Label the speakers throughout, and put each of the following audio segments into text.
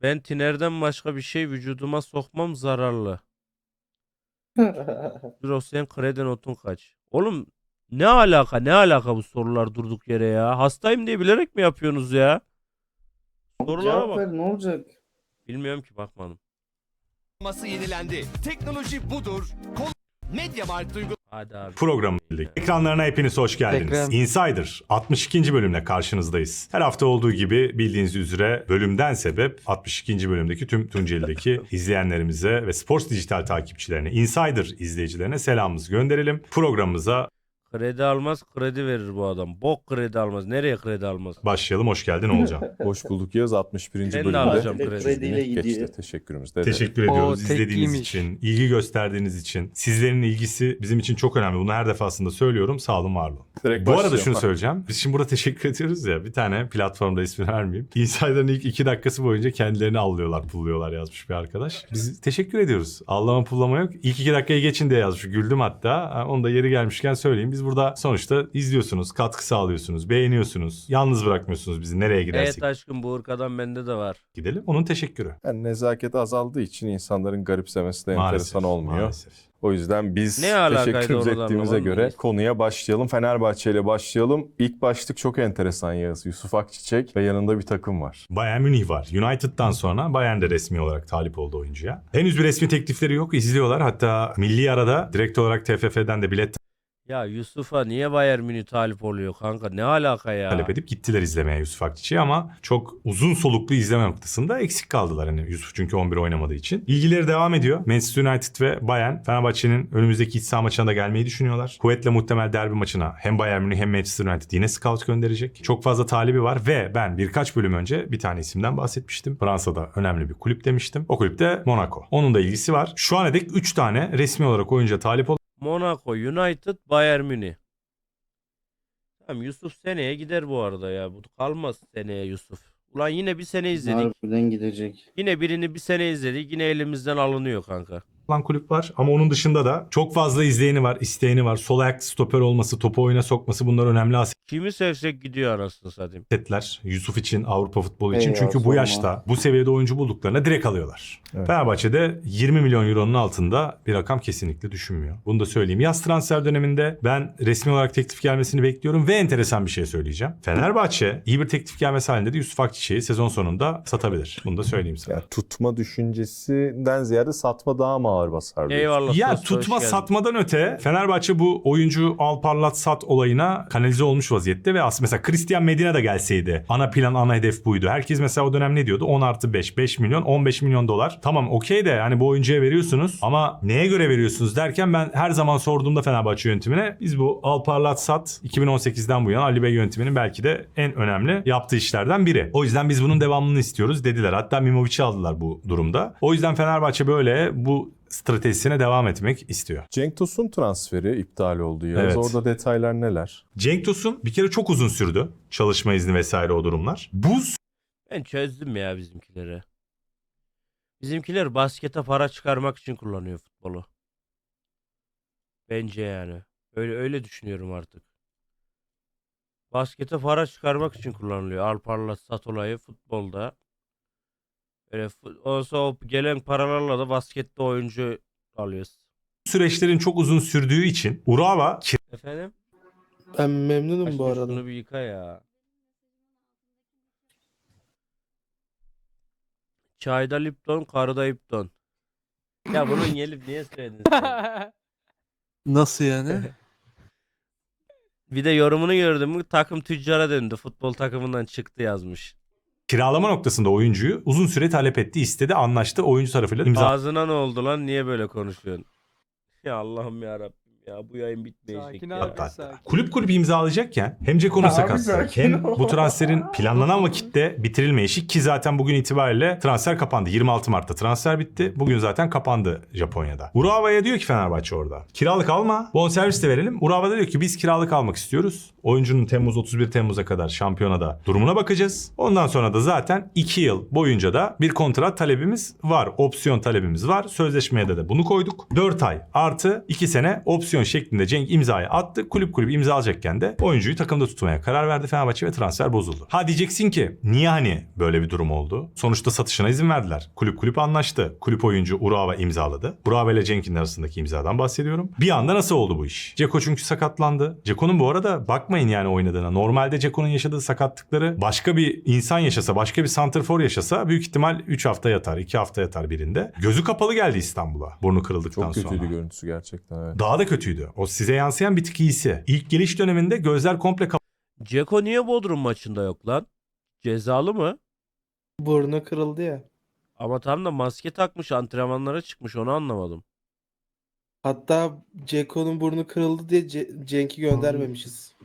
Speaker 1: Ben tinerden başka bir şey vücuduma sokmam zararlı. Sen kredi notun kaç? Oğlum ne alaka bu sorular durduk yere ya? Hastayım diye bilerek mi yapıyorsunuz ya? Sorulara
Speaker 2: Cevap
Speaker 1: bak.
Speaker 2: ver, ne olacak?
Speaker 1: Bilmiyorum ki, bakmadım.
Speaker 3: Yenilendi. Teknoloji budur. Mediamarkt
Speaker 1: Hadi abi.
Speaker 4: Programı bildik. Ekranlarına hepiniz hoş geldiniz.
Speaker 5: Tekrar.
Speaker 4: Insider 62. bölümle karşınızdayız. Her hafta olduğu gibi bildiğiniz üzere bölümden sebep 62. bölümdeki tüm Tunceli'deki izleyenlerimize ve Sports Dijital takipçilerine, Insider izleyicilerine selamımızı gönderelim. Programımıza
Speaker 1: Kredi almaz, kredi verir bu adam. Bok kredi almaz. Nereye kredi almaz?
Speaker 4: başlayalım. Hoş geldin Oğulcan.
Speaker 6: Hoş bulduk Yağız. 61.
Speaker 1: Ben de
Speaker 6: bölümde
Speaker 1: alacağım
Speaker 2: Krediyle gidiyor.
Speaker 6: geçti. Teşekkürümüz. Dede.
Speaker 4: Teşekkür ediyoruz
Speaker 5: tek
Speaker 4: izlediğiniz
Speaker 5: giymiş.
Speaker 4: için, ilgi gösterdiğiniz için. Sizlerin ilgisi bizim için çok önemli. Bunu her defasında söylüyorum. Sağ olun, var olun.
Speaker 6: Direkt
Speaker 4: Bu arada
Speaker 6: başlayalım.
Speaker 4: şunu söyleyeceğim. Biz şimdi burada teşekkür ediyoruz ya. Bir tane platformda ismini vermeyeyim. Insider'ın ilk 2 dakikası boyunca kendilerini allıyorlar, pulluyorlar yazmış bir arkadaş. Biz teşekkür ediyoruz. Allama pullama yok. İlk 2 dakikayı geçin diye yazmış. Güldüm hatta. Onu da yeri gelmişken söyleyeyim. Biz burada sonuçta izliyorsunuz, katkı sağlıyorsunuz, beğeniyorsunuz. Yalnız bırakmıyorsunuz bizi nereye gidersek
Speaker 1: Evet aşkım, bu ırkadan bende de var.
Speaker 4: gidelim. Onun teşekkürü.
Speaker 6: Yani nezaket azaldığı için insanların garipsemesi de enteresan olmuyor.
Speaker 4: Maalesef.
Speaker 6: O yüzden biz
Speaker 1: Ne alakaydı
Speaker 6: teşekkür
Speaker 1: oradan
Speaker 6: ettiğimize
Speaker 1: anlamadım
Speaker 6: göre
Speaker 1: biz.
Speaker 6: konuya başlayalım. Fenerbahçe ile başlayalım. İlk başlık çok enteresan Yağız. Yusuf Akçiçek ve yanında bir takım var.
Speaker 4: Bayern Münih var. United'dan sonra Bayern de resmi olarak talip oldu oyuncuya. Henüz bir resmi teklifleri yok. İzliyorlar. Hatta milli arada direkt olarak TFF'den de bilet
Speaker 1: Ya Yusuf'a niye Bayern Münih talip oluyor kanka? Ne alaka ya?
Speaker 4: talep edip gittiler izlemeye Yusuf Akçiçek'i ama çok uzun soluklu izleme noktasında eksik kaldılar. Hani Yusuf çünkü 11 oynamadığı için. İlgileri devam ediyor. Manchester United ve Bayern Fenerbahçe'nin önümüzdeki iç saha maçına da gelmeyi düşünüyorlar. Kuvvetle muhtemel derbi maçına hem Bayern Münih hem Manchester United yine scout gönderecek. Çok fazla talibi var ve ben birkaç bölüm önce bir tane isimden bahsetmiştim. Fransa'da önemli bir kulüp demiştim. O kulüp de Monaco. Onun da ilgisi var. Şu ana dek 3 tane resmi olarak oyuncuya talip
Speaker 1: Monaco, United, Bayern Münih. Tamam, Yusuf seneye gider bu arada ya. Bu kalmaz seneye Yusuf. Ulan yine bir sene izledik.
Speaker 2: Harbiden gidecek.
Speaker 1: Yine birini bir sene izledik. Yine elimizden alınıyor kanka.
Speaker 4: olan kulüp var. Ama onun dışında da çok fazla izleyeni var, isteyeni var. Sol ayak stoper olması, topu oyuna sokması bunlar önemli
Speaker 1: Kimi sevsek gidiyor anasını satayım.
Speaker 4: asetler. Yusuf için, Avrupa futbolu için.
Speaker 2: Eyvah,
Speaker 4: Çünkü bu
Speaker 2: sorma.
Speaker 4: yaşta, bu seviyede oyuncu bulduklarına direkt alıyorlar.
Speaker 6: Evet.
Speaker 4: Fenerbahçe'de 20 milyon euronun altında bir rakam kesinlikle düşünmüyor. Bunu da söyleyeyim. Yaz transfer döneminde ben resmi olarak teklif gelmesini bekliyorum ve enteresan bir şey söyleyeceğim. Fenerbahçe iyi bir teklif gelmesi halinde de Yusuf Akçiçek'i sezon sonunda satabilir. Bunu da söyleyeyim sana.
Speaker 6: Yani tutma düşüncesinden ziyade satma daha mı ağır basar diyorsun?
Speaker 1: Eyvallah.
Speaker 4: Ya
Speaker 1: Tost, hoş
Speaker 4: tutma
Speaker 1: geldin.
Speaker 4: satmadan öte Fenerbahçe bu oyuncu al parlat sat olayına kanalize olmuş vaziyette ve aslında mesela Christian Medina da gelseydi ana plan ana hedef buydu. Herkes mesela o dönem ne diyordu? 10+5 5 milyon 15 milyon dolar. Tamam okey de hani bu oyuncuya veriyorsunuz ama neye göre veriyorsunuz derken ben her zaman sorduğumda Fenerbahçe yönetimine biz bu al parlat sat 2018'den bu yana Ali Bey yönetiminin belki de en önemli yaptığı işlerden biri. O yüzden biz bunun devamını istiyoruz dediler. Hatta Mimovic'i aldılar bu durumda. O yüzden Fenerbahçe böyle bu stratejisine devam etmek istiyor.
Speaker 6: Cenk Tosun transferi iptal oldu Yağız.
Speaker 4: Evet.
Speaker 6: Orada detaylar neler?
Speaker 4: Cenk Tosun bir kere çok uzun sürdü. Çalışma izni vesaire o durumlar. Bu
Speaker 1: Ben çözdüm ya bizimkileri. Bizimkiler baskete para çıkarmak için kullanıyor futbolu. Bence yani. Öyle düşünüyorum artık. Baskete para çıkarmak için kullanılıyor. Al parla sat olayı futbolda. Öyle olsa o gelen paralarla da baskette oyuncu alıyoruz.
Speaker 4: süreçlerin çok uzun sürdüğü için Urawa
Speaker 1: Efendim?
Speaker 2: Ben memnunum
Speaker 1: Aşkım
Speaker 2: bu arada.
Speaker 1: şunu bir yıka ya. Çayda Lipton, karıda Lipton. Ya bunun gelip niye söyledin sen?
Speaker 5: Nasıl yani?
Speaker 1: Bir de yorumunu gördüm mü takım tüccara döndü. Futbol takımından çıktı yazmış.
Speaker 4: kiralama noktasında oyuncuyu uzun süre talep etti, istedi, anlaştı. Oyuncu tarafıyla imza
Speaker 1: Ağzına ne oldu lan? Niye böyle konuşuyorsun? Ya Allah'ım ya Rabbim ya, bu yayın bitmeyecek
Speaker 5: Sakin
Speaker 1: ya.
Speaker 5: abi.
Speaker 4: hatta.
Speaker 5: Sakin.
Speaker 4: Kulüp imzalayacakken hem Ceko'nun
Speaker 2: Abi
Speaker 4: sakatlığı
Speaker 2: sakin
Speaker 4: hem
Speaker 2: ol.
Speaker 4: bu transferin planlanan vakitte bitirilmeyişi ki zaten bugün itibariyle transfer kapandı. 26 Mart'ta transfer bitti. Bugün zaten kapandı Japonya'da. Urawa'ya diyor ki Fenerbahçe orada. Kiralık alma. Bonservis de verelim. Urawa da diyor ki biz kiralık almak istiyoruz. Oyuncunun 31 Temmuz'a kadar şampiyonada durumuna bakacağız. Ondan sonra da zaten 2 yıl boyunca da bir kontrat talebimiz var. Opsiyon talebimiz var. Sözleşmeye de bunu koyduk. 4 ay artı 2 sene opsiyon opsiyon şeklinde Cenk imzayı attı. Kulüp imza alacakken de oyuncuyu takımda tutmaya karar verdi Fenerbahçe ve transfer bozuldu. Ha diyeceksin ki niye hani böyle bir durum oldu? Sonuçta satışına izin verdiler. Kulüp anlaştı. Kulüp oyuncu Urawa imzaladı. Urawa ile Cenk'in arasındaki imzadan bahsediyorum. Bir anda nasıl oldu bu iş? Dzeko çünkü sakatlandı. Dzeko'nun bu arada bakmayın yani oynadığına. Normalde Dzeko'nun yaşadığı sakatlıkları başka bir insan yaşasa, başka bir santrfor yaşasa büyük ihtimal 3 hafta yatar, 2 hafta yatar birinde. Gözü kapalı geldi İstanbul'a. Burnu kırıldıktan
Speaker 6: Çok
Speaker 4: sonra.
Speaker 6: kötüydü görüntüsü gerçekten, evet.
Speaker 4: Daha da kötüydü. O size yansıyan bir tık iyisi. İlk geliş döneminde gözler komple
Speaker 1: Dzeko niye Bodrum maçında yok lan? Cezalı mı?
Speaker 2: Burnu kırıldı ya.
Speaker 1: Ama tam da maske takmış, antrenmanlara çıkmış, onu anlamadım.
Speaker 2: Hatta Ceko'nun burnu kırıldı diye Cenk'i göndermemişiz.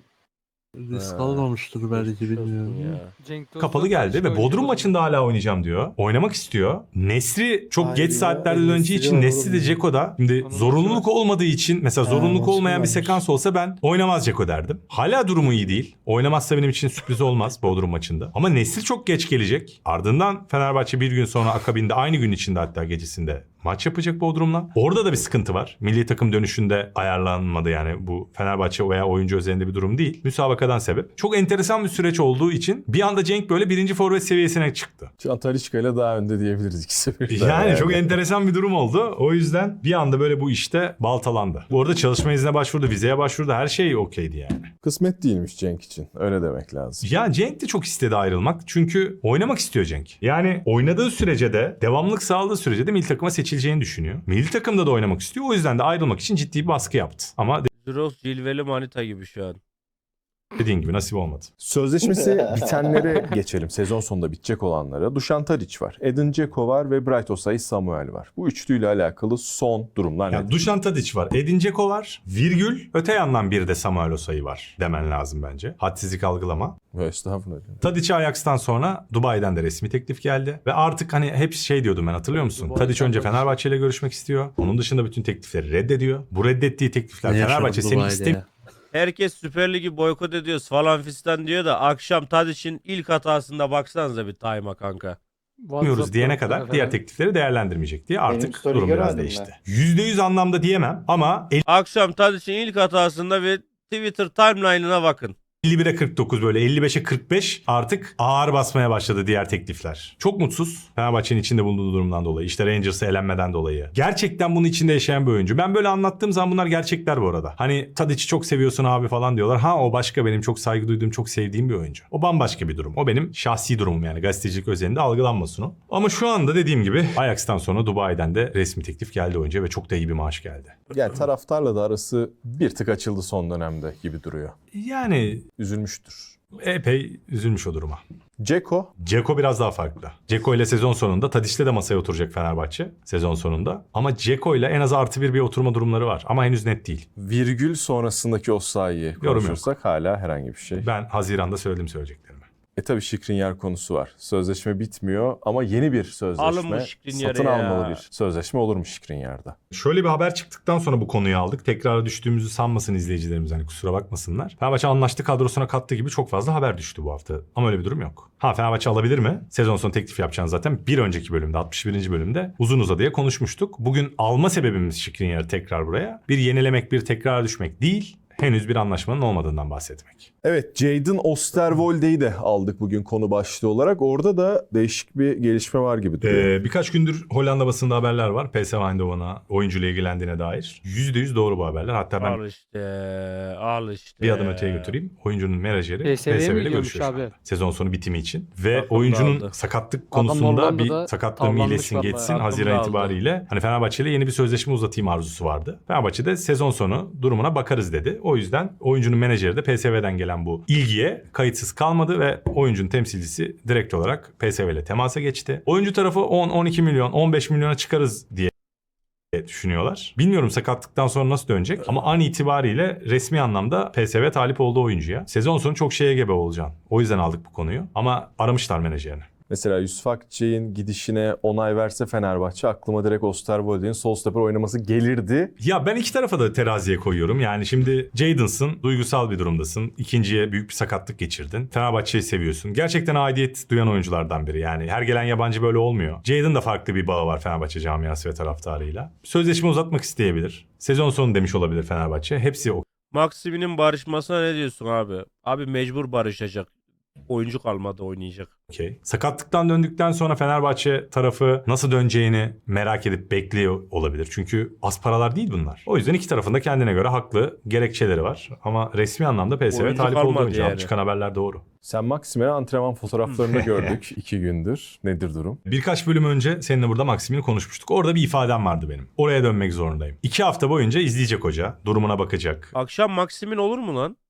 Speaker 5: Risk
Speaker 1: Ha,
Speaker 5: almamıştır belki
Speaker 1: Geçmiş olsun
Speaker 5: bilmiyorum.
Speaker 1: ya.
Speaker 4: kapalı geldi ve Bodrum maçında hala oynayacağım diyor. Oynamak istiyor. Nesri çok
Speaker 2: Hayır
Speaker 4: geç
Speaker 2: ya,
Speaker 4: saatlerde
Speaker 2: Nesri
Speaker 4: döneceği için
Speaker 2: olur
Speaker 4: Nesri de
Speaker 2: mu?
Speaker 4: Dzeko'da. Şimdi
Speaker 7: Onun
Speaker 4: zorunluluk
Speaker 7: maçı
Speaker 4: olmadığı için mesela
Speaker 2: Ha,
Speaker 4: zorunluluk
Speaker 2: maçı
Speaker 4: olmayan bir
Speaker 2: varmış.
Speaker 4: sekans olsa ben oynamaz Dzeko derdim. Hala durumu iyi değil. Oynamazsa benim için sürpriz olmaz Bodrum maçında. Ama Nesri çok geç gelecek. Ardından Fenerbahçe bir gün sonra akabinde aynı gün içinde hatta gecesinde maç yapacak Bodrum'la. Orada da bir sıkıntı var. Milli takım dönüşünde ayarlanmadı yani bu Fenerbahçe veya oyuncu özelinde bir durum değil. Müsabakadan sebep. Çok enteresan bir süreç olduğu için bir anda Cenk böyle birinci forvet seviyesine çıktı.
Speaker 6: Şu an Talisca ile daha önde diyebiliriz ikisi birden.
Speaker 4: Yani çok enteresan bir durum oldu. O yüzden bir anda böyle bu işte baltalandı. Bu arada çalışma iznine başvurdu, vizeye başvurdu. Her şey okeydi yani.
Speaker 6: Kısmet değilmiş Cenk için. Öyle demek lazım.
Speaker 4: Ya Cenk de çok istedi ayrılmak. Çünkü oynamak istiyor Cenk. Yani oynadığı sürece de, devamlılık sağladığı sürece de milli takıma seçileceğini düşünüyor. Milli takımda da oynamak istiyor. O yüzden de ayrılmak için ciddi bir baskı yaptı. Ama
Speaker 1: Zuros cilveli manita gibi şu an.
Speaker 4: dediğin gibi nasip olmadı.
Speaker 6: Sözleşmesi bitenlere geçelim. Sezon sonunda bitecek olanlara. Dušan Tadić var, Edin Dzeko var ve Bright Osay Samuel var. Bu üçlüyle alakalı son durumlar
Speaker 4: Yani
Speaker 6: nedir?
Speaker 4: Dušan Tadić var, Edin Dzeko var, virgül, öte yandan bir de Samuel Osayi var demen lazım bence. Hadsizlik algılama.
Speaker 6: Estağfurullah.
Speaker 4: Tadić'e Ajax'tan sonra Dubai'den de resmi teklif geldi. Ve artık hani hep şey diyordum ben, hatırlıyor musun? Tadić önce Fenerbahçe ile görüşmek istiyor. Onun dışında bütün teklifleri reddediyor. Bu reddettiği teklifler
Speaker 5: Ne yaşadı
Speaker 4: Fenerbahçe seni
Speaker 5: Dubai'de
Speaker 4: istemiyor.
Speaker 5: ya?
Speaker 1: Herkes Süper Lig'i boykot ediyoruz falan fistan diyor da akşam Tadić'in ilk hatasında baksanıza bir time'a kanka.
Speaker 4: Yapmıyoruz diyene kadar diğer teklifleri değerlendirmeyecek diye artık
Speaker 2: story
Speaker 4: durum biraz
Speaker 2: görmedim
Speaker 4: değişti. %100 anlamda diyemem ama
Speaker 1: Akşam Tadić'in ilk hatasında bir Twitter timeline'ına bakın.
Speaker 4: 51'e 49 böyle 55'e 45 artık ağır basmaya başladı diğer teklifler. Çok mutsuz Fenerbahçe'nin içinde bulunduğu durumdan dolayı. İşte Rangers'ı elenmeden dolayı. Gerçekten bunun içinde yaşayan bir oyuncu. Ben böyle anlattığım zaman bunlar gerçekler bu arada. Hani Tadić'i çok seviyorsun abi falan diyorlar. Ha o başka, benim çok saygı duyduğum, çok sevdiğim bir oyuncu. O bambaşka bir durum. O benim şahsi durumum yani, gazetecilik özelinde algılanmasın o. Ama şu anda dediğim gibi Ajax'tan sonra Dubai'den de resmi teklif geldi oyuncuya ve çok da iyi bir maaş geldi.
Speaker 6: Yani taraftarla da arası bir tık açıldı son dönemde gibi duruyor.
Speaker 4: Yani
Speaker 6: Üzülmüştür.
Speaker 4: epey üzülmüş o duruma.
Speaker 6: Dzeko
Speaker 4: Dzeko biraz daha farklı. Dzeko ile sezon sonunda Tadić'le de masaya oturacak Fenerbahçe sezon sonunda. Ama Dzeko ile en az +1 bir oturma durumları var. Ama henüz net değil.
Speaker 6: virgül sonrasındaki Osayi'yi konuşursak hala herhangi bir şey.
Speaker 4: Ben Haziran'da söyledim söyleyeceklerimi.
Speaker 6: Tabii Skriniar konusu var. Sözleşme bitmiyor ama yeni bir sözleşme,
Speaker 1: Alın bu Skriniar'ı
Speaker 6: satın
Speaker 1: ya.
Speaker 6: almalı bir sözleşme olur mu Skriniar'da?
Speaker 4: Şöyle bir haber çıktıktan sonra bu konuyu aldık. Tekrar düştüğümüzü sanmasın izleyicilerimiz, hani kusura bakmasınlar. Fenerbahçe anlaştı kadrosuna kattı gibi çok fazla haber düştü bu hafta. Ama öyle bir durum yok. Ha Fenerbahçe alabilir mi? Sezon sonu teklif yapacağını zaten bir önceki bölümde 61. bölümde uzun uzadıya konuşmuştuk. Bugün alma sebebimiz Skriniar'ı tekrar buraya. Bir yenilemek, bir tekrar düşmek değil. Henüz bir anlaşmanın olmadığından bahsetmek.
Speaker 6: Evet, Jadon Oosterwolde'yi de aldık bugün konu başlığı olarak. Orada da değişik bir gelişme var gibi duruyor.
Speaker 4: Birkaç gündür Hollanda basında haberler var. PSV Eindhoven'a oyuncuyla ilgilendiğine dair. %100 doğru bu haberler. Hatta ben
Speaker 1: Al işte.
Speaker 4: bir adım öteye götüreyim. Oyuncunun menajeri
Speaker 7: PSV'ye mi
Speaker 4: PSV ile
Speaker 7: gidiyormuş
Speaker 4: görüşüyor şu
Speaker 7: abi?
Speaker 4: anda. Sezon sonu bitimi için. Ve
Speaker 1: Takım
Speaker 4: oyuncunun
Speaker 1: dağıldı.
Speaker 4: sakatlık
Speaker 7: Adam
Speaker 4: konusunda bir
Speaker 7: Hollanda'da
Speaker 4: sakatlığım
Speaker 7: tavlanmış
Speaker 4: iyileşsin
Speaker 7: vallahi.
Speaker 4: geçsin.
Speaker 1: Takım
Speaker 4: Haziran
Speaker 1: dağıldı.
Speaker 4: itibariyle hani Fenerbahçe ile yeni bir sözleşme uzatayım arzusu vardı. Fenerbahçe de sezon sonu durumuna bakarız dedi. O yüzden oyuncunun menajeri de PSV'den gelen bu ilgiye kayıtsız kalmadı ve oyuncunun temsilcisi direkt olarak PSV ile temasa geçti. Oyuncu tarafı 10-12 milyon, 15 milyona çıkarız diye düşünüyorlar. Bilmiyorum sakatlıktan sonra nasıl dönecek ama an itibariyle resmi anlamda PSV talip olduğu oyuncuya. Sezon sonu çok şeye gebe olacaksın. O yüzden aldık bu konuyu ama aramışlar menajerini.
Speaker 6: Mesela Yusuf Akçay'ın gidişine onay verse Fenerbahçe aklıma direkt Osterwolde'nin sol stoper oynaması gelirdi.
Speaker 4: Ya ben iki tarafa da teraziye koyuyorum. Yani şimdi Jadon'sın, duygusal bir durumdasın. İkinciye büyük bir sakatlık geçirdin. Fenerbahçe'yi seviyorsun. Gerçekten aidiyet duyan oyunculardan biri. Yani her gelen yabancı böyle olmuyor. Jadon da farklı bir bağı var Fenerbahçe camiası ve taraftarıyla. Sözleşme uzatmak isteyebilir. Sezon sonu demiş olabilir Fenerbahçe. Hepsi o.
Speaker 1: Maximin'in barışmasına ne diyorsun abi? Abi mecbur barışacak. Oyuncu kalmadı oynayacak.
Speaker 4: Okey. Sakatlıktan döndükten sonra Fenerbahçe tarafı nasıl döneceğini merak edip bekliyor olabilir. Çünkü az paralar değil bunlar. O yüzden iki tarafında kendine göre haklı gerekçeleri var. Ama resmi anlamda PSV
Speaker 1: Oyuncu
Speaker 4: talip olduğu
Speaker 1: kalmadı
Speaker 4: oyuncu. Abi
Speaker 1: yani.
Speaker 4: çıkan haberler doğru.
Speaker 6: Sen Maximen'in antrenman fotoğraflarını gördük 2 gündür. Nedir durum?
Speaker 4: Birkaç bölüm önce seninle burada Maximin'i konuşmuştuk. Orada bir ifadem vardı benim. Oraya dönmek zorundayım. 2 hafta boyunca izleyecek hoca. Durumuna bakacak.
Speaker 1: Akşam Maximin olur mu lan?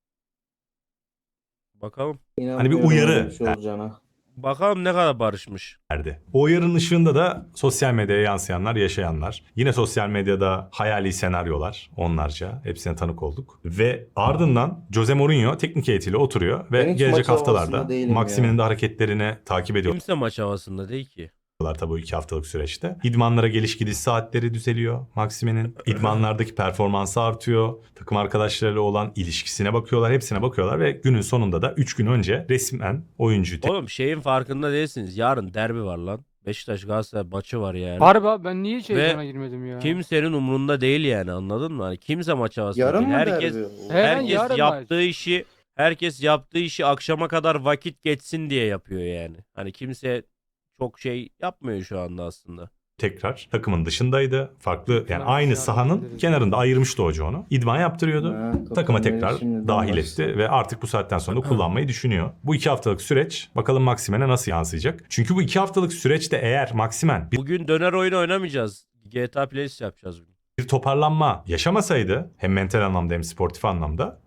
Speaker 1: Bakalım.
Speaker 4: Hani bir uyarı
Speaker 1: Bakalım ne kadar barışmış.
Speaker 4: derdi. O uyarının ışığında da sosyal medyaya yansıyanlar, yaşayanlar. Yine sosyal medyada hayali senaryolar onlarca. Hepsine tanık olduk. Ve ardından Jose Mourinho teknik heyetiyle oturuyor ve
Speaker 7: Ben hiç
Speaker 4: gelecek
Speaker 7: maç havasında
Speaker 4: haftalarda
Speaker 7: değilim
Speaker 4: Maximin'in
Speaker 7: ya.
Speaker 4: de hareketlerini takip ediyorlar
Speaker 1: Kimse maç havasında değil ki.
Speaker 4: tabii o 2 haftalık süreçte. İdmanlara geliş gidiş saatleri düzeliyor Maximin'in. İdmanlardaki performansı artıyor. Takım arkadaşlarıyla olan ilişkisine bakıyorlar. Hepsine bakıyorlar ve günün sonunda da 3 gün önce resmen oyuncuyu
Speaker 1: Oğlum şeyin farkında değilsiniz. Yarın derbi var lan. Beşiktaş Galatasaray maçı var yani.
Speaker 8: Harbi abi ben niye hiç
Speaker 1: Ve
Speaker 8: heyecana girmedim ya?
Speaker 1: Kimsenin umrunda değil yani, anladın mı? Hani kimse maç havasında
Speaker 7: Yarın
Speaker 1: değil.
Speaker 7: mı
Speaker 1: Herkes
Speaker 7: derbi?
Speaker 8: Herkes
Speaker 1: herkes yaptığı işi akşama kadar vakit geçsin diye yapıyor yani. Hani kimse çok şey yapmıyor şu anda aslında.
Speaker 4: tekrar takımın dışındaydı. Farklı yani
Speaker 8: Tamam,
Speaker 4: aynı
Speaker 8: yarın
Speaker 4: sahanın
Speaker 8: gideriz.
Speaker 4: kenarında ayırmıştı hoca onu. İdman yaptırıyordu.
Speaker 7: Ha,
Speaker 4: Takıma
Speaker 7: Tottenham
Speaker 4: tekrar
Speaker 7: şimdiden
Speaker 4: dahil
Speaker 7: başlasın.
Speaker 4: etti ve artık bu saatten sonra kullanmayı düşünüyor. Bu 2 haftalık süreç bakalım Maximen'e nasıl yansıyacak? Çünkü bu 2 haftalık süreçte eğer Maximen
Speaker 1: Bugün döner oyunu oynamayacağız. GTA Plays yapacağız bugün.
Speaker 4: bir toparlanma yaşamasaydı hem mental anlamda hem sportif anlamda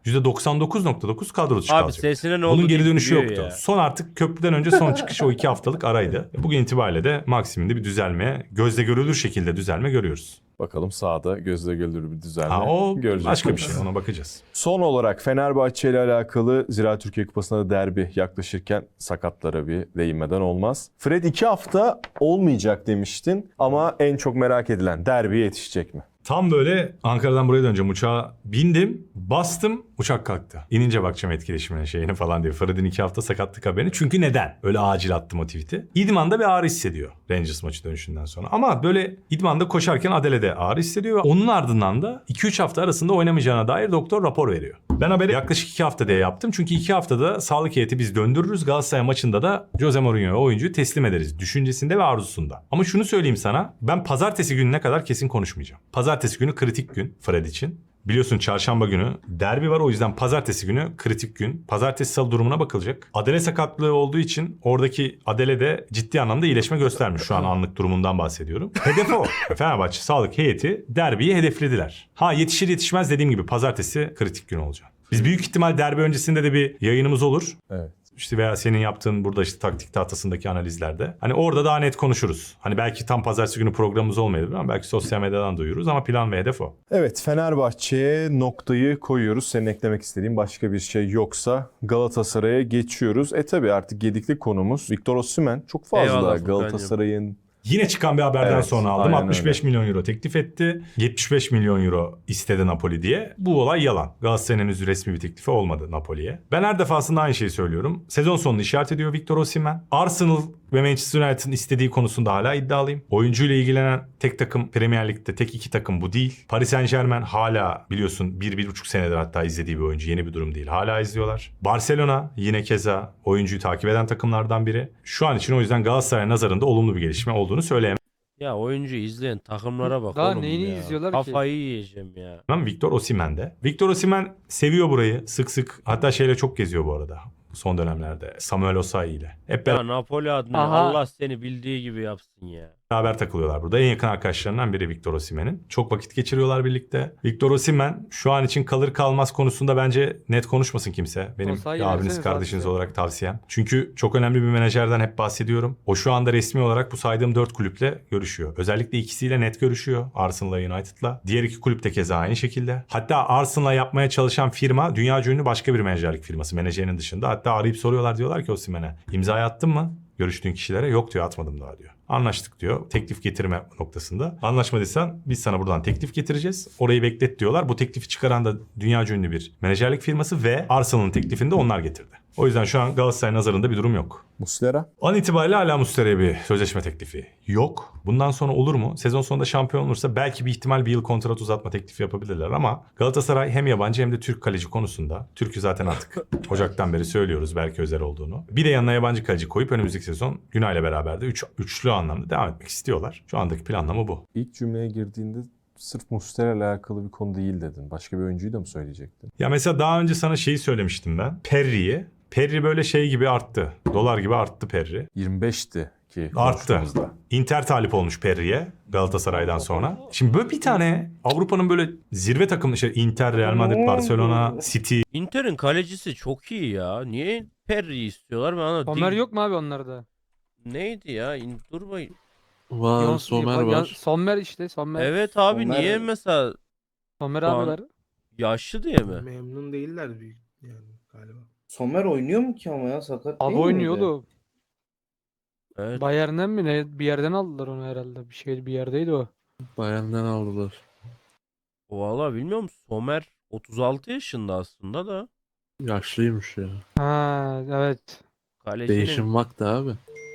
Speaker 4: %99.9 kadro dışı
Speaker 1: Abi
Speaker 4: kalacaktı.
Speaker 1: sesine ne oldu?
Speaker 4: Bunun geri
Speaker 1: deyip
Speaker 4: dönüşü
Speaker 1: duruyor
Speaker 4: yoktu.
Speaker 1: ya.
Speaker 4: Son artık köprüden önce son çıkış o 2 haftalık araydı. Bugün itibariyle de Maximin'de bir düzelme, gözle görülür şekilde düzelme görüyoruz.
Speaker 6: Bakalım sahada gözle görülür bir düzenle
Speaker 4: O
Speaker 6: göreceğiz.
Speaker 4: başka bir şey, ona bakacağız.
Speaker 6: Son olarak Fenerbahçe ile alakalı Ziraat Türkiye Kupası'nda da derbi yaklaşırken sakatlara bir değinmeden olmaz. Fred 2 hafta olmayacak demiştin ama en çok merak edilen derbiye yetişecek mi?
Speaker 4: Tam böyle Ankara'dan buraya döneceğim uçağa bindim, bastım, uçak kalktı. İnince bakacağım etkileşimine şeyini falan diye. Fred'in 2 hafta sakatlık haberini. Çünkü neden? Öyle acil attım o tweet'i. İdman'da bir ağrı hissediyor Rangers maçı dönüşünden sonra. Ama böyle İdman'da koşarken Adele'de ağrı hissediyor. Ve onun ardından da 2-3 hafta arasında oynamayacağına dair doktor rapor veriyor. Ben haberi yaklaşık 2 hafta diye yaptım. Çünkü 2 haftada sağlık heyeti biz döndürürüz. Galatasaray maçında da Jose Mourinho'ya oyuncuyu teslim ederiz. Düşüncesinde ve arzusunda. Ama şunu söyleyeyim sana. Ben pazartesi gününe kadar kesin konuşmayacağım. Pazartesi günü kritik gün Fred için. Biliyorsun çarşamba günü derbi var, o yüzden pazartesi günü kritik gün. Pazartesi salı durumuna bakılacak. Adele sakatlığı olduğu için oradaki Adele de ciddi anlamda iyileşme göstermiş. Şu an anlık durumundan bahsediyorum. Hedef o. Fenerbahçe sağlık heyeti derbiyi hedeflediler. Ha yetişir yetişmez dediğim gibi pazartesi kritik gün olacak. Biz büyük ihtimal derbi öncesinde de bir yayınımız olur.
Speaker 6: Evet.
Speaker 4: İşte veya senin yaptığın burada işte taktik tahtasındaki analizlerde. Hani orada daha net konuşuruz. Hani belki tam pazartesi günü programımız olmayabilir ama belki sosyal medyadan duyururuz ama plan ve hedef o.
Speaker 6: Evet, Fenerbahçe'ye noktayı koyuyoruz. Senin eklemek istediğin başka bir şey yoksa Galatasaray'a geçiyoruz. Tabii artık gedikli konumuz Victor Osimhen. Çok fazla
Speaker 1: Eyvallah Furkan'cığım.
Speaker 6: Galatasaray'ın
Speaker 4: Yine çıkan bir haberden
Speaker 6: Evet,
Speaker 4: sonra aldım.
Speaker 6: aynen
Speaker 4: 65
Speaker 6: öyle.
Speaker 4: milyon euro teklif etti. 75 milyon euro istedi Napoli diye. Bu olay yalan. Galatasaray'ın henüz resmi bir teklifi olmadı Napoli'ye. Ben her defasında aynı şeyi söylüyorum. Sezon sonunu işaret ediyor Victor Osimhen. Arsenal ve Manchester United'ın istediği konusunda hala iddialıyım. Oyuncuyla ilgilenen tek takım Premier Lig'de tek 2 takım bu değil. Paris Saint-Germain hala biliyorsun 1-1,5 senedir hatta izlediği bir oyuncu. Yeni bir durum değil. Hala izliyorlar. Barcelona yine keza oyuncuyu takip eden takımlardan biri. Şu an için o yüzden Galatasaray nazarında olumlu bir gelişme olduğunu söyleyemem.
Speaker 1: Ya oyuncu izleyen takımlara bak
Speaker 8: Daha
Speaker 1: oğlum
Speaker 8: neyini
Speaker 1: ya.
Speaker 8: izliyorlar ki?
Speaker 1: Kafayı yiyeceğim ya.
Speaker 4: Victor Osimhen'de. Victor Osimhen seviyor burayı sık sık. Hatta şeyle çok geziyor bu arada. Son dönemlerde. Samuel Osayi ile. Hep
Speaker 1: Ya Napoli adına
Speaker 8: Aha.
Speaker 1: Allah seni bildiği gibi yapsın ya.
Speaker 4: beraber takılıyorlar burada. En yakın arkadaşlarından biri Victor Osimhen'in. Çok vakit geçiriyorlar birlikte. Victor Osimhen şu an için kalır kalmaz konusunda bence net konuşmasın kimse. Benim
Speaker 8: Osayi
Speaker 4: abiniz
Speaker 8: versene
Speaker 4: kardeşiniz
Speaker 8: zaten.
Speaker 4: olarak tavsiyem. Çünkü çok önemli bir menajerden hep bahsediyorum. O şu anda resmi olarak bu saydığım 4 kulüple görüşüyor. Özellikle ikisiyle net görüşüyor. Arsenal'la United'la. Diğer 2 kulüp de keza aynı şekilde. Hatta Arsenal'la yapmaya çalışan firma dünyaca ünlü başka bir menajerlik firması. Menajerinin dışında. Hatta arayıp soruyorlar, diyorlar ki Osimhen'e imzayı attın mı? görüştüğün kişilere? Yok diyor, atmadım daha diyor. Anlaştık diyor. Teklif getirme noktasında. Anlaşmadıysan biz sana buradan teklif getireceğiz. Orayı beklet diyorlar. Bu teklifi çıkaran da dünyaca ünlü bir menajerlik firması ve Arsenal'ın teklifini de onlar getirdi. O yüzden şu an Galatasaray nazarında bir durum yok.
Speaker 6: Muslera?
Speaker 4: An itibariyle hala Muslera'ya bir sözleşme teklifi yok. Bundan sonra olur mu? Sezon sonunda şampiyon olursa belki bir ihtimal bir yıl kontrat uzatma teklifi yapabilirler ama Galatasaray hem yabancı hem de Türk kaleci konusunda, Türk'ü zaten artık Ocak'tan beri söylüyoruz belki özel olduğunu. Bir de yanına yabancı kaleci koyup önümüzdeki sezon Günay'la beraber de üçlü anlamda devam etmek istiyorlar. Şu andaki planlama bu.
Speaker 6: İlk cümleye girdiğinde sırf Muslera ile alakalı bir konu değil dedin. Başka bir oyuncuyu da mı söyleyecektin?
Speaker 4: Ya mesela daha önce sana şeyi söylemiştim ben. Perry'i. Perry böyle şey gibi arttı. Dolar gibi arttı Perry.
Speaker 6: 25'ti ki
Speaker 4: Arttı.
Speaker 6: konuştuğumuzda.
Speaker 4: Inter talip olmuş Perry'e Galatasaray'dan sonra. Şimdi böyle bir tane Avrupa'nın böyle zirve takımı işte Inter, Real Madrid, Barcelona, City.
Speaker 1: Inter'in kalecisi çok iyi ya. Niye Perry'i istiyorlar ben anlamadım.
Speaker 7: Somer yok mu abi onlarda?
Speaker 1: Neydi ya? Dur bakayım.
Speaker 5: Var, Somer var.
Speaker 7: Somer işte Somer.
Speaker 1: Evet abi
Speaker 2: Somer-
Speaker 1: niye mesela
Speaker 7: Somer
Speaker 1: Şu an-
Speaker 7: abi var.
Speaker 1: yaşlı diye mi?
Speaker 2: Memnun değiller büyük yani galiba.
Speaker 8: Somer oynuyor mu ki ama ya sakat
Speaker 7: Abi
Speaker 8: değil miydi?
Speaker 7: oynuyordu.
Speaker 1: Evet.
Speaker 7: Bayern'den mi ne? Bir yerden aldılar onu herhalde. Bir yerdeydi o.
Speaker 5: Bayern'den aldılar.
Speaker 1: Vallahi bilmiyorum. Somer 36 yaşında aslında da.
Speaker 5: Yaşlıymış ya.
Speaker 7: Ha evet.
Speaker 5: Değişim vakti abi.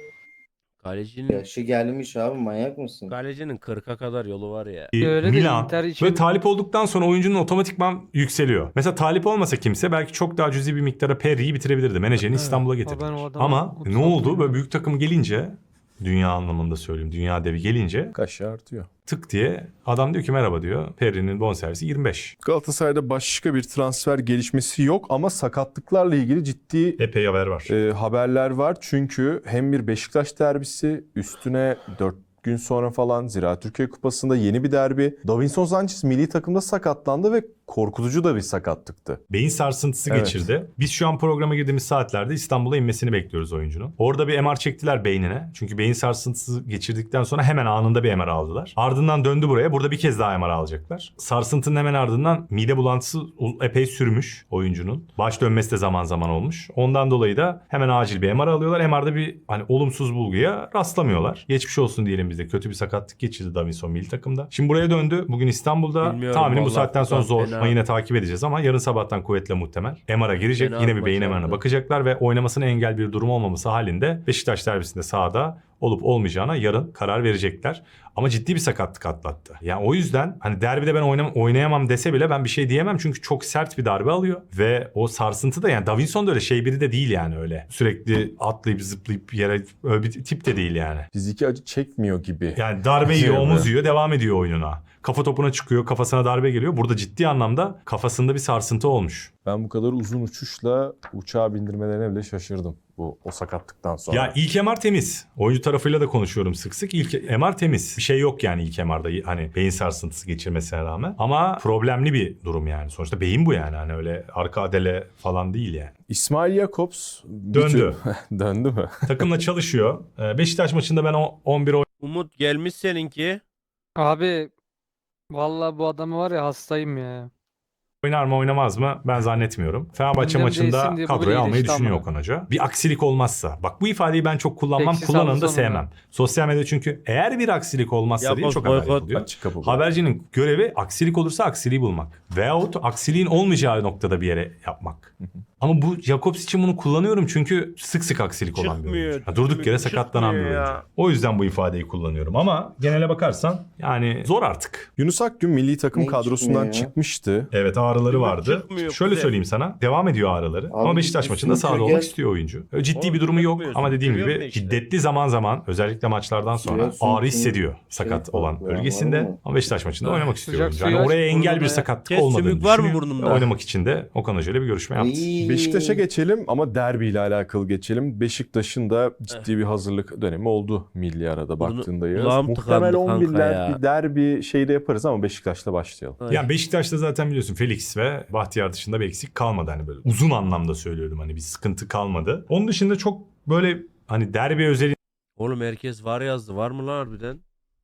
Speaker 1: Kalecinin
Speaker 8: Yaşı gelmiş abi manyak mısın?
Speaker 1: 40'a kadar yolu var ya.
Speaker 7: Öyle de
Speaker 4: Milan
Speaker 7: Inter için-
Speaker 4: ve talip olduktan sonra oyuncunun otomatikman yükseliyor. Mesela talip olmasa kimse belki çok daha cüzi bir miktara Perry'i bitirebilirdi. Menajerini
Speaker 7: Evet.
Speaker 4: İstanbul'a
Speaker 7: Ben
Speaker 4: getirdiler.
Speaker 7: o adamı
Speaker 4: Ama
Speaker 7: 36
Speaker 4: ne oldu? Böyle
Speaker 7: bilmiyorum.
Speaker 4: büyük takım gelince, dünya anlamında söyleyeyim, dünya devi gelince
Speaker 6: Kaşı artıyor.
Speaker 4: tık diye adam diyor ki merhaba diyor. Perry'nin bonservisi 25.
Speaker 6: Galatasaray'da başka bir transfer gelişmesi yok ama sakatlıklarla ilgili ciddi
Speaker 4: Epey haber var.
Speaker 6: haberler var. Çünkü hem bir Beşiktaş derbisi üstüne 4 gün sonra falan Ziraat Türkiye Kupası'nda yeni bir derbi. Davinson Sanchez milli takımda sakatlandı ve korkutucu da bir sakatlıktı.
Speaker 4: Beyin sarsıntısı
Speaker 6: Evet.
Speaker 4: geçirdi. Biz şu an programa girdiğimiz saatlerde İstanbul'a inmesini bekliyoruz oyuncunun. Orada bir MR çektiler beynine. Çünkü beyin sarsıntısı geçirdikten sonra hemen anında bir MR aldılar. Ardından döndü buraya. Burada bir kez daha MR alacaklar. Sarsıntının hemen ardından mide bulantısı epey sürmüş oyuncunun. Baş dönmesi de zaman zaman olmuş. Ondan dolayı da hemen acil bir MR alıyorlar. MR'da bir olumsuz bulguya rastlamıyorlar. Geçmiş olsun diyelim biz de. Kötü bir sakatlık geçirdi Davinson milli takımda. Şimdi buraya döndü. Bugün İstanbul'da.
Speaker 1: Bilmiyorum
Speaker 4: Tahminim bu
Speaker 1: vallahi
Speaker 4: saatten sonra
Speaker 1: Furkan,
Speaker 4: zor.
Speaker 1: fena.
Speaker 4: Ama yine takip edeceğiz ama yarın sabahtan kuvvetle muhtemel. MR'a girecek.
Speaker 1: Fena
Speaker 4: Yine bir beyin
Speaker 1: maçlardı.
Speaker 4: MR'ına bakacaklar ve oynamasına engel bir durum olmaması halinde Beşiktaş derbisinde sahada olup olmayacağına yarın karar verecekler. Ama ciddi bir sakatlık atlattı. Yani o yüzden derbide ben oynayamam dese bile ben bir şey diyemem. Çünkü çok sert bir darbe alıyor. Ve o sarsıntı da Davinson da öyle şey biri de değil yani öyle. Sürekli atlayıp zıplayıp yere öyle bir tip de değil yani.
Speaker 6: Fiziki acı çekmiyor gibi.
Speaker 4: Yani darbe yiyor,
Speaker 6: Evet.
Speaker 4: omuz yiyor, devam ediyor oyununa. Kafa topuna çıkıyor, kafasına darbe geliyor. Burada ciddi anlamda kafasında bir sarsıntı olmuş.
Speaker 6: Ben bu kadar uzun uçuşla uçağa bindirmelerine bile şaşırdım o sakatlıktan sonra.
Speaker 4: Ya ilk MR temiz. Oyuncu tarafıyla da konuşuyorum sık sık. İlk MR temiz. Bir şey yok yani ilk MR'da beyin sarsıntısı geçirmesine rağmen. Ama problemli bir durum yani. Sonuçta beyin bu yani. Öyle arka adele falan değil yani.
Speaker 6: İsmail Jakobs
Speaker 4: Döndü.
Speaker 6: Döndü mü?
Speaker 4: Takımla çalışıyor. Beşiktaş maçında ben 11
Speaker 1: Umut gelmiş seninki.
Speaker 7: Abi vallahi bu adamı var ya hastayım ya.
Speaker 4: oynar mı oynamaz mı ben zannetmiyorum. Fenerbahçe
Speaker 7: Gündem
Speaker 4: maçında
Speaker 7: değilsin diye bu
Speaker 4: kadroya
Speaker 7: bile
Speaker 4: almayı
Speaker 7: iyileşti
Speaker 4: düşünüyor
Speaker 7: ama.
Speaker 4: Okan Hoca. Bir aksilik olmazsa. Bak bu ifadeyi ben çok kullanmam.
Speaker 7: Eksi
Speaker 4: Kullananı da
Speaker 7: sağlı sonuna.
Speaker 4: sevmem. Sosyal medyada çünkü eğer bir aksilik olmazsa diye
Speaker 1: Yapmaz,
Speaker 4: çok haber
Speaker 1: boykot.
Speaker 4: yapılıyor.
Speaker 6: Açık kapı. bu.
Speaker 4: Habercinin görevi aksilik olursa aksiliği bulmak. Veyahut aksiliğin olmayacağı noktada bir yere yapmak. Ama bu Jakobs için bunu kullanıyorum çünkü sık sık aksilik olan bir
Speaker 1: Çıkmıyor,
Speaker 4: oyuncu. Durduk yere
Speaker 1: çıkmıyor
Speaker 4: sakatlanan bir
Speaker 1: ya.
Speaker 4: oyuncu. O yüzden bu ifadeyi kullanıyorum ama genele bakarsan zor artık.
Speaker 6: Yunus Akgün milli takım
Speaker 8: Ne
Speaker 6: kadrosundan
Speaker 8: çıkmıyor ya?
Speaker 6: çıkmıştı.
Speaker 4: Evet ağrıları vardı.
Speaker 1: çıkmıyor,
Speaker 4: Şöyle
Speaker 1: Kuzey.
Speaker 4: söyleyeyim sana. Devam ediyor ağrıları. Ama Beşiktaş
Speaker 8: üstüne
Speaker 4: maçında sahada
Speaker 8: çöker.
Speaker 4: olmak istiyor oyuncu. Öyle ciddi
Speaker 1: Oğlum,
Speaker 4: bir durumu yok
Speaker 1: yapmıyorsun,
Speaker 4: ama dediğim
Speaker 1: görüyor
Speaker 4: gibi
Speaker 1: musun işte?
Speaker 4: şiddetli zaman zaman özellikle maçlardan sonra
Speaker 8: Sürüyorsun,
Speaker 4: ağrı hissediyor sakat
Speaker 8: farklı
Speaker 4: olan
Speaker 8: ya,
Speaker 4: bölgesinde.
Speaker 8: anladın mı?
Speaker 4: Ama Beşiktaş maçında oynamak istiyor
Speaker 7: Sıcak
Speaker 4: oyuncu.
Speaker 7: suyu
Speaker 4: Yani
Speaker 7: aç,
Speaker 4: oraya engel bir
Speaker 7: burnuna
Speaker 4: sakatlık
Speaker 1: Kes,
Speaker 4: olmadığını
Speaker 1: sümük var mı
Speaker 4: düşünüyor.
Speaker 1: burnumda?
Speaker 4: Ve oynamak için de Okan Hoca ile bir görüşme yaptı.
Speaker 8: İyi.
Speaker 6: Beşiktaş'a geçelim ama derbiyle alakalı geçelim. Beşiktaş'ın da ciddi bir hazırlık dönemi oldu milli arada baktığında yaz.
Speaker 1: kulağım
Speaker 6: Muhtemel
Speaker 1: tıkandı kanka
Speaker 6: 11'ler
Speaker 1: ya.
Speaker 6: bir derbi şeyde yaparız ama Beşiktaş'la başlayalım.
Speaker 1: Ay.
Speaker 4: Yani Beşiktaş'ta zaten biliyorsun Felix ve Bahtiyar dışında bir eksik kalmadı böyle. Uzun anlamda söylüyorum bir sıkıntı kalmadı. Onun dışında çok böyle derbi özel
Speaker 1: Oğlum herkes var yazdı. Var mı lan harbiden?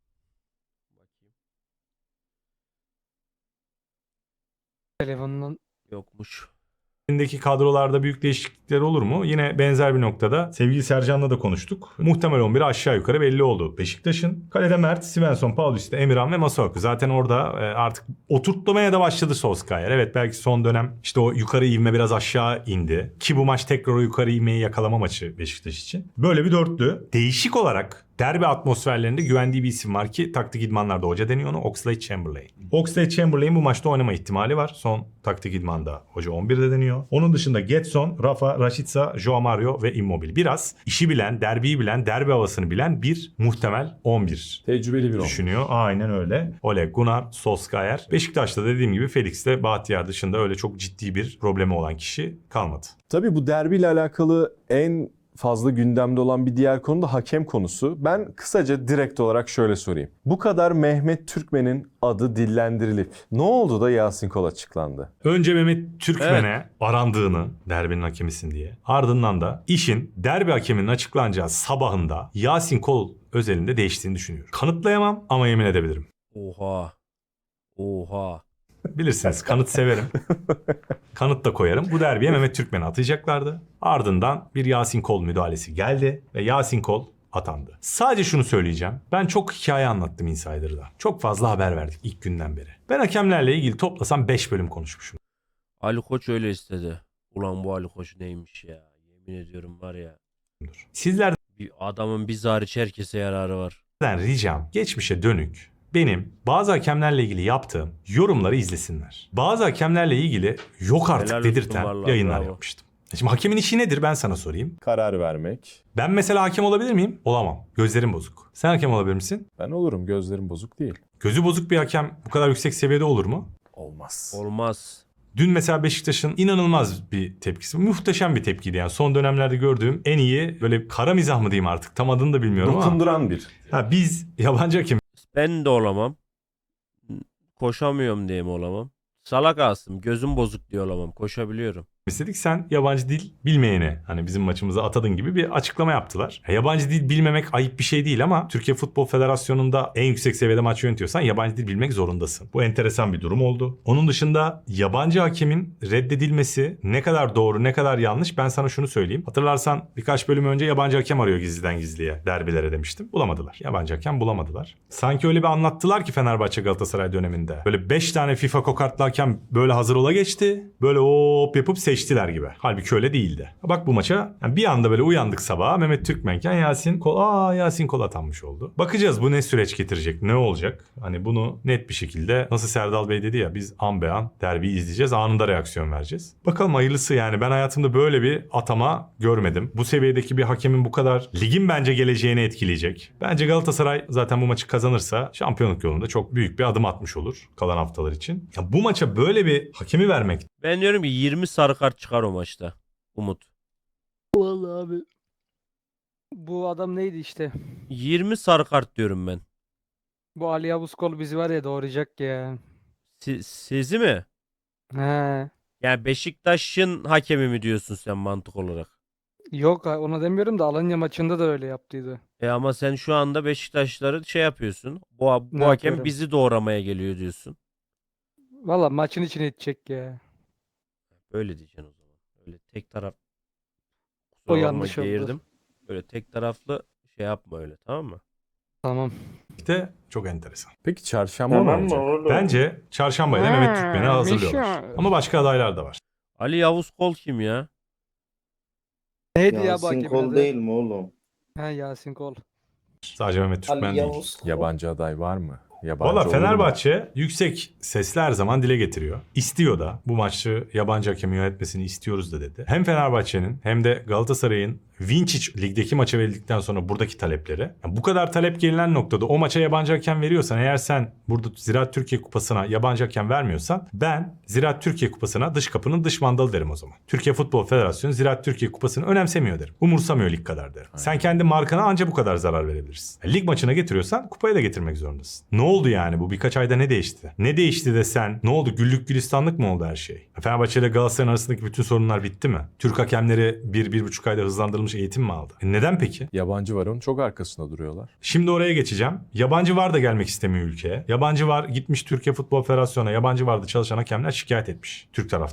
Speaker 1: Bakayım.
Speaker 7: telefonundan.
Speaker 1: Yokmuş.
Speaker 4: Elindeki kadrolarda büyük değişiklikler olur mu? Yine benzer bir noktada sevgili Sercan'la da konuştuk. Muhtemel 11'i aşağı yukarı belli oldu Beşiktaş'ın. Kalede Mert, Svensson, Paulista, Emirhan ve Masuaku. Zaten orada artık oturtmaya da başladı Solskjaer. Evet, belki son dönem işte o yukarı ivme biraz aşağı indi. Ki bu maç tekrar o yukarı ivmeyi yakalama maçı Beşiktaş için. Böyle bir dörtlü. Değişik olarak derbi atmosferlerinde güvendiği bir isim var ki taktik idmanlarda hoca deniyor onu, Oxlade-Chamberlain. Oxlade-Chamberlain bu maçta oynama ihtimali var. Son taktik idmanda hoca 11'de deniyor. Onun dışında Getson, Rafa, Rashica, Joao Mario ve Immobile. Biraz işi bilen, derbiyi bilen, derbi havasını bilen bir muhtemel 11
Speaker 6: Tecrübeli bir
Speaker 4: düşünüyor. Aynen öyle. Ole Gunnar Solskjaer. Beşiktaş'ta dediğim gibi Felix'le Bahtiyar dışında öyle çok ciddi bir problemi olan kişi kalmadı.
Speaker 6: Tabii bu derbiyle alakalı en fazla gündemde olan bir diğer konu da hakem konusu. Ben kısaca direkt olarak şöyle sorayım. Bu kadar Mehmet Türkmen'in adı dillendirilip ne oldu da Yasin Kol açıklandı?
Speaker 4: Önce Mehmet Türkmen'e arandığını, derbinin hakemisin diye. Ardından da işin derbi hakeminin açıklanacağı sabahında Yasin Kol özelinde değiştiğini düşünüyorum. Kanıtlayamam ama yemin edebilirim.
Speaker 1: Oha. Oha.
Speaker 4: Bilirsiniz, kanıt severim. Kanıt da koyarım. Bu derbiye Mehmet Türkmen'i atacaklardı. Ardından bir Yasin Kol müdahalesi geldi ve Yasin Kol atandı. Sadece şunu söyleyeceğim. Ben çok hikaye anlattım Insider'da. Çok fazla haber verdik ilk günden beri. Ben hakemlerle ilgili toplasam 5 bölüm konuşmuşum.
Speaker 1: Ali Koç öyle istedi. Ulan bu Ali Koç neymiş ya. Yemin ediyorum var ya.
Speaker 4: Sizlerden
Speaker 1: Bir adamın biz hariç herkese yararı var.
Speaker 4: ricam geçmişe dönük benim bazı hakemlerle ilgili yaptığım yorumları izlesinler. Bazı hakemlerle ilgili yok artık
Speaker 1: Helal olsun
Speaker 4: dedirten
Speaker 1: vallahi,
Speaker 4: yayınlar
Speaker 1: bravo.
Speaker 4: yapmıştım. Şimdi hakemin işi nedir ben sana sorayım.
Speaker 6: Karar vermek.
Speaker 4: Ben mesela hakem olabilir miyim? Olamam. Gözlerim bozuk. Sen hakem olabilir misin?
Speaker 6: Ben olurum, gözlerim bozuk değil.
Speaker 4: Gözü bozuk bir hakem bu kadar yüksek seviyede olur mu?
Speaker 6: Olmaz.
Speaker 1: Olmaz.
Speaker 4: Dün mesela Beşiktaş'ın inanılmaz bir tepkisi. Muhteşem bir tepkiydi yani. Son dönemlerde gördüğüm en iyi böyle kara mizah mı diyeyim artık tam adını da bilmiyorum ama.
Speaker 6: Dokunduran bir.
Speaker 4: Biz yabancı hakem
Speaker 1: Ben de olamam. Koşamıyorum diye mi olamam? Salak Asım. Gözüm bozuk diye olamam. Koşabiliyorum.
Speaker 4: istedik. Sen yabancı dil bilmeyene hani bizim maçımıza atadın gibi bir açıklama yaptılar. Yabancı dil bilmemek ayıp bir şey değil ama Türkiye Futbol Federasyonu'nda en yüksek seviyede maç yönetiyorsan yabancı dil bilmek zorundasın. Bu enteresan bir durum oldu. Onun dışında yabancı hakemin reddedilmesi ne kadar doğru ne kadar yanlış ben sana şunu söyleyeyim. Hatırlarsan birkaç bölüm önce yabancı hakem arıyor gizliden gizliye derbilere demiştim. Bulamadılar. Yabancı hakem bulamadılar. Sanki öyle bir anlattılar ki Fenerbahçe Galatasaray döneminde. Böyle 5 tane FIFA kokartlı hakem böyle hazır ola geçti. Böyle hop yapıp seçtiler gibi. Halbuki öyle değildi. Bak bu maça yani bir anda böyle uyandık sabaha Mehmet Türkmenken Yasin Kol atanmış oldu. Bakacağız bu ne süreç getirecek, ne olacak? Hani bunu net bir şekilde nasıl Serdal Bey dedi ya biz an be an derbiyi izleyeceğiz, anında reaksiyon vereceğiz. Bakalım hayırlısı yani ben hayatımda böyle bir atama görmedim. Bu seviyedeki bir hakemin bu kadar ligin bence geleceğini etkileyecek. Bence Galatasaray zaten bu maçı kazanırsa şampiyonluk yolunda çok büyük bir adım atmış olur kalan haftalar için. Ya bu maça böyle bir hakemi vermek
Speaker 1: Ben diyorum ki 20 sarı kart çıkar o maçta. Umut.
Speaker 7: Vallahi abi. Bu adam neydi işte?
Speaker 1: 20 sarı kart diyorum ben.
Speaker 7: Bu Ali Yavuz Kol bizi var ya doğrayacak ya.
Speaker 1: Sizi mi?
Speaker 7: He.
Speaker 1: Yani Beşiktaş'ın hakemi mi diyorsun sen mantık olarak?
Speaker 7: Yok ona demiyorum da Alanya maçında da öyle yaptıydı.
Speaker 1: Ama sen şu anda Beşiktaşları şey yapıyorsun. Bu
Speaker 7: Ne
Speaker 1: hakem
Speaker 7: yapıyorum?
Speaker 1: bizi doğramaya geliyor diyorsun.
Speaker 7: Valla maçın içine edecek ya.
Speaker 1: Öyle diyeceksin o zaman. Öyle tek taraf.
Speaker 7: O
Speaker 1: Kusura bakma,
Speaker 7: yanlış oldu.
Speaker 1: geğirdim. Böyle tek taraflı şey yapma öyle, tamam mı?
Speaker 7: Tamam.
Speaker 4: de çok enteresan.
Speaker 6: Peki çarşamba mı olacak?
Speaker 4: Bence çarşambaya da Mehmet Türkmen'i hazırlıyorlar.
Speaker 7: Mişa.
Speaker 4: Ama başka adaylar da var.
Speaker 1: Ali Yavuz Kol kim ya?
Speaker 7: Neydi ya bu
Speaker 8: Yasin
Speaker 7: hakemin
Speaker 8: Kol
Speaker 7: adı?
Speaker 8: değil mi oğlum?
Speaker 7: He Yasin Kol.
Speaker 4: Sadece Mehmet Türkmen
Speaker 8: Ali
Speaker 4: değil.
Speaker 8: Yavuz Kol.
Speaker 6: Yabancı aday var mı? Yabancı
Speaker 4: Valla
Speaker 6: olur mu?
Speaker 4: Fenerbahçe yüksek sesle her zaman dile getiriyor. İstiyor da bu maçı yabancı hakemin yönetmesini istiyoruz da dedi. Hem Fenerbahçe'nin hem de Galatasaray'ın Vinčić ligdeki maça verildikten sonra buradaki talepleri. Yani bu kadar talep gelinen noktada o maça yabancı hakem veriyorsan eğer sen burada Ziraat Türkiye Kupası'na yabancı hakem vermiyorsan ben Ziraat Türkiye Kupası'na dış kapının dış mandalı derim o zaman. Türkiye Futbol Federasyonu Ziraat Türkiye Kupası'nı önemsemiyor derim. Umursamıyor lig kadar derim. Sen kendi markana anca bu kadar zarar verebilirsin. Yani lig maçına getiriyorsan kupaya da getirmek zorundasın. Ne oldu yani bu birkaç ayda ne değişti? Ne değişti de sen ne oldu güllük gülistanlık mı oldu her şey? Fenerbahçe ile Galatasaray arasındaki bütün sorunlar bitti mi? Türk hakemleri 1-1,5 ayda hızlandırılmış eğitim mi aldı? Neden peki?
Speaker 6: Yabancı var onun çok arkasında duruyorlar.
Speaker 4: Şimdi oraya geçeceğim. Yabancı var da gelmek istemiyor ülkeye. Yabancı var gitmiş Türkiye Futbol Federasyonu'na yabancı vardı çalışan hakemler şikayet etmiş Türk taraftarları.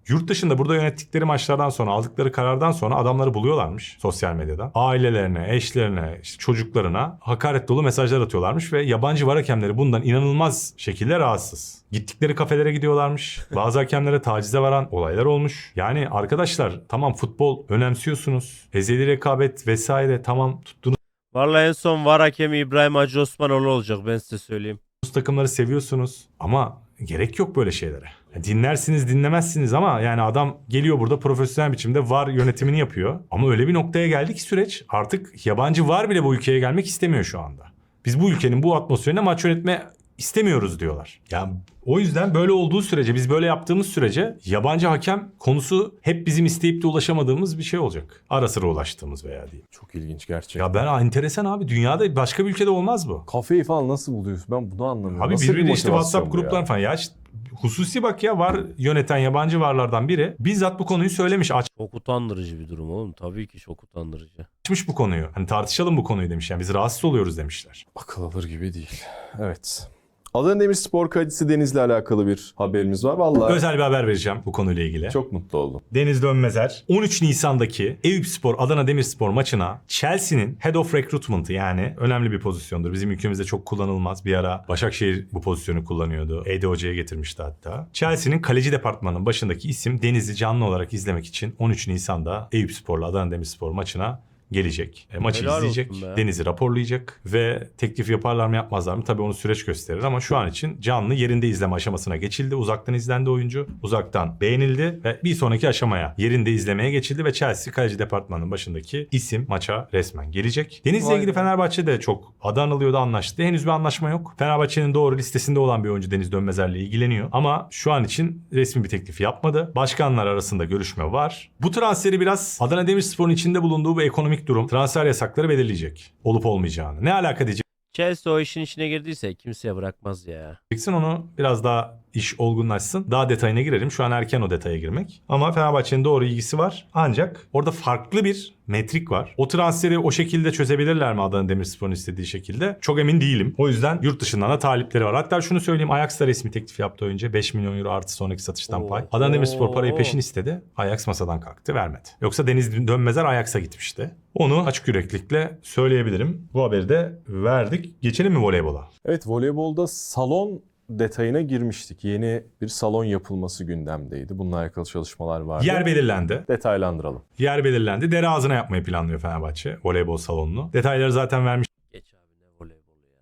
Speaker 4: Yurt dışında burada yönettikleri maçlardan sonra, aldıkları karardan sonra adamları buluyorlarmış sosyal medyada. Ailelerine, eşlerine, işte çocuklarına hakaret dolu mesajlar atıyorlarmış ve yabancı var hakemleri bundan inanılmaz şekilde rahatsız. Gittikleri kafelere gidiyorlarmış. Bazı hakemlere tacize varan olaylar olmuş. Yani arkadaşlar tamam futbol önemsiyorsunuz. Ezeli rekabet vesaire tamam tuttuğunuz
Speaker 1: Vallahi en son VAR hakemi İbrahim Hacı Osmanoğlu olacak, ben size söyleyeyim.
Speaker 4: takımları seviyorsunuz ama gerek yok böyle şeylere. Dinlersiniz dinlemezsiniz ama yani adam geliyor burada profesyonel biçimde VAR yönetimini yapıyor. Ama öyle bir noktaya geldi ki süreç artık yabancı VAR bile bu ülkeye gelmek istemiyor şu anda. Biz bu ülkenin bu atmosferine maç yönetme istemiyoruz diyorlar. Yani o yüzden böyle olduğu sürece, biz böyle yaptığımız sürece yabancı hakem konusu hep bizim isteyip de ulaşamadığımız bir şey olacak. Ara sıra ulaştığımız veya değil.
Speaker 6: Çok ilginç gerçekten.
Speaker 4: Ya ben enteresan abi, dünyada başka bir ülkede olmaz bu.
Speaker 6: Kafeyi falan nasıl buluyorsun? Ben bunu anlamıyorum.
Speaker 4: Abi
Speaker 6: Nasıl bir
Speaker 4: birbirine işte
Speaker 6: motivasyon
Speaker 4: WhatsApp
Speaker 6: bu ya?
Speaker 4: grupları falan. Ya işte hususi bak ya, var yöneten yabancı varlardan biri bizzat bu konuyu söylemiş.
Speaker 1: Çok utandırıcı bir durum oğlum. Tabii ki çok utandırıcı.
Speaker 4: Açmış bu konuyu. Hani tartışalım bu konuyu demiş. Yani biz rahatsız oluyoruz demişler.
Speaker 6: Akıl alır gibi değil. Evet. Adana Demirspor kalecisi Deniz'le alakalı bir haberimiz var. Vallahi
Speaker 4: Özel bir haber vereceğim bu konuyla ilgili.
Speaker 6: çok mutlu oldum.
Speaker 4: Deniz Dönmezer 13 Nisan'daki Eyüpspor Adana Demirspor maçına Chelsea'nin Head of Recruitment'ı, yani önemli bir pozisyondur. Bizim ülkemizde çok kullanılmaz. Bir ara Başakşehir bu pozisyonu kullanıyordu. Ede Hoca'ya getirmişti hatta. Chelsea'nin kaleci departmanının başındaki isim Deniz'i canlı olarak izlemek için 13 Nisan'da Eyüpspor'la Adana Demirspor maçına gelecek. Maçı
Speaker 1: Helal
Speaker 4: izleyecek.
Speaker 1: olsun be.
Speaker 4: Deniz'i raporlayacak ve teklif yaparlar mı yapmazlar mı? Tabii onu süreç gösterir ama şu an için canlı yerinde izleme aşamasına geçildi. Uzaktan izlendi oyuncu. Uzaktan beğenildi ve bir sonraki aşamaya yerinde izlemeye geçildi ve Chelsea kaleci departmanının başındaki isim maça resmen gelecek. Deniz'le
Speaker 7: Vay
Speaker 4: ilgili
Speaker 7: be.
Speaker 4: Fenerbahçe de çok adı anılıyordu, anlaştı. Henüz bir anlaşma yok. Fenerbahçe'nin doğru listesinde olan bir oyuncu Deniz Dönmezer'le ilgileniyor ama şu an için resmi bir teklif yapmadı. Başkanlar arasında görüşme var. Bu transferi biraz Adana Demirspor'un içinde bulunduğu bu ekonomik durum, transfer yasakları belirleyecek. Olup olmayacağını. Ne alaka
Speaker 1: Chelsea o işin içine girdiyse kimseye bırakmaz ya.
Speaker 4: diyeceksin, onu biraz daha iş olgunlaşsın. Daha detayına girelim. Şu an erken o detaya girmek. Ama Fenerbahçe'nin doğru ilgisi var. Ancak orada farklı bir metrik var. O transferi o şekilde çözebilirler mi Adana Demirspor'un istediği şekilde? Çok emin değilim. O yüzden yurt dışından da talipleri var. Hatta şunu söyleyeyim. Ajax da resmi teklif yaptı önce. 5 milyon euro artı sonraki satıştan
Speaker 1: Oo.
Speaker 4: pay. Adana Demirspor parayı peşin istedi. Ajax masadan kalktı, vermedi. Yoksa Deniz Dönmezer Ajax'a gitmişti. Onu açık yüreklilikle söyleyebilirim. Bu haberi de verdik. Geçelim mi voleybola?
Speaker 6: Evet, voleybolda salon detayına girmiştik. Yeni bir salon yapılması gündemdeydi. Bununla alakalı çalışmalar vardı.
Speaker 4: Yer belirlendi.
Speaker 6: Detaylandıralım.
Speaker 4: Yer belirlendi. Dere ağzına yapmayı planlıyor Fenerbahçe voleybol salonunu. Detayları zaten vermiş.
Speaker 1: Geç abi, ne voleybolu ya.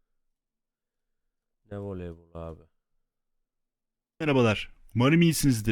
Speaker 1: Ne voleybolu abi.
Speaker 9: Merhabalar. Umarım iyisinizdir.